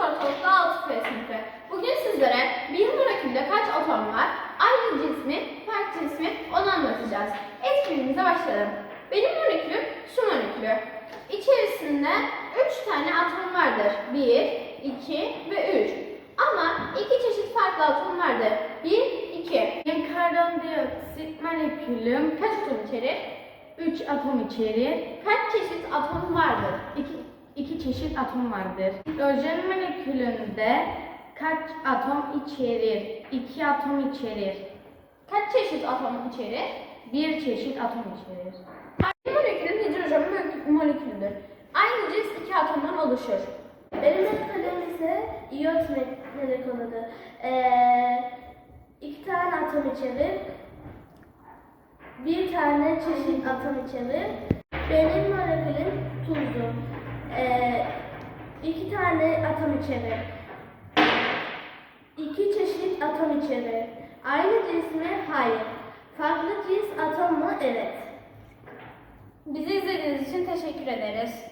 ortalıkta 6F sınıfı. Bugün sizlere bir molekülde kaç atom var, aynı cins mi, farklı cins mi onu anlatacağız. Etkinliğimize başlayalım. Benim molekülüm su molekülü. İçerisinde 3 tane atom vardır. 1, 2 ve 3. Ama 2 çeşit farklı atom vardır. 1, 2. Benim karbondioksit molekülüm Kaç atom içerir? 3 atom içerir. Kaç çeşit atom vardır? 2 çeşit atom vardır. Hidrojen molekülünde kaç atom içerir? 2 atom içerir. Kaç çeşit atom içerir? 1 çeşit atom içerir. Aynı molekülün hidrojen molekülüdür. Aynı cins 2 atomdan oluşur. Benim molekülüm ise iyot molekülüdür. 2 tane atom içerir. 1 tane çeşit atom içerir. Benim molekülüm tuzlu. 2 tane atom içerir. 2 çeşit atom içerir. Aynı cins mi? Hayır. Farklı cins atom mu? Evet. Bizi izlediğiniz için teşekkür ederiz.